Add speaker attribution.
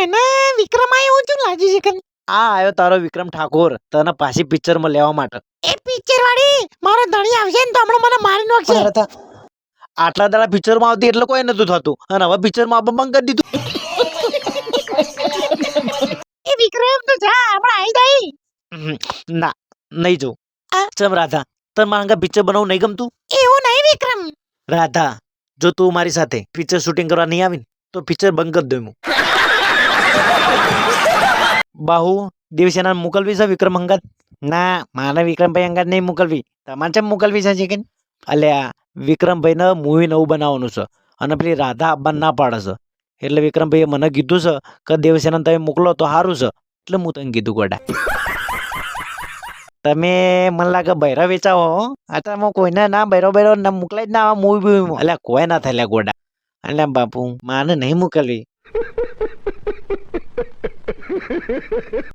Speaker 1: મને વિક્રમ આવ્યો છું લાજી છે કે
Speaker 2: આ આવ્યો તારો વિક્રમ ઠાકોર તને પાછી પિક્ચરમાં લેવા માટે.
Speaker 1: એ પિક્ચર વાળી મારો ધણી આવશે ને તો હમણાં મને મારી નાખશે.
Speaker 2: આટલા દાડા પિક્ચરમાં આવતી એટલે કોઈ નતું થતું અને હવે પિક્ચરમાં આવવા બંધ કરી દીધું.
Speaker 1: એ વિક્રમ તો જા હમણાં આવી જાય.
Speaker 2: ના નહીં જો ચમ રાધા તને મારા પિક્ચર બનાવવું નહીં ગમતું?
Speaker 1: એવું નહીં વિક્રમ.
Speaker 2: રાધા જો તું મારી સાથે પિક્ચર શૂટિંગ કરવા નહીં આવી ને તો પિક્ચર બંધ કરી દઉં હું. બાહુ દેવસેના મોકલવી છે વિક્રમ અંગાત? ના મારે વિક્રમભાઈ અંગાત નહીં મોકલવી. તમારે ચમ મોકલવી છે કે? અલ્યા વિક્રમભાઈને મૂવી નવું બનાવવાનું છે અને પેલી રાધા આવવાનું ના પાડે છે એટલે વિક્રમભાઈએ મને કીધું છે કે દેવસેના તમે મોકલો તો સારું છે એટલે હું તને કીધું ગોડા. તમે મને લાગે બૈરા વેચાવો હો. આટલામાં કોઈને ના બૈરો ના મોકલાય જ ના આવા મૂવી એટલે કોઈ ના થાય ગોડા. એટલે બાપુ માને નહીં મોકલવી.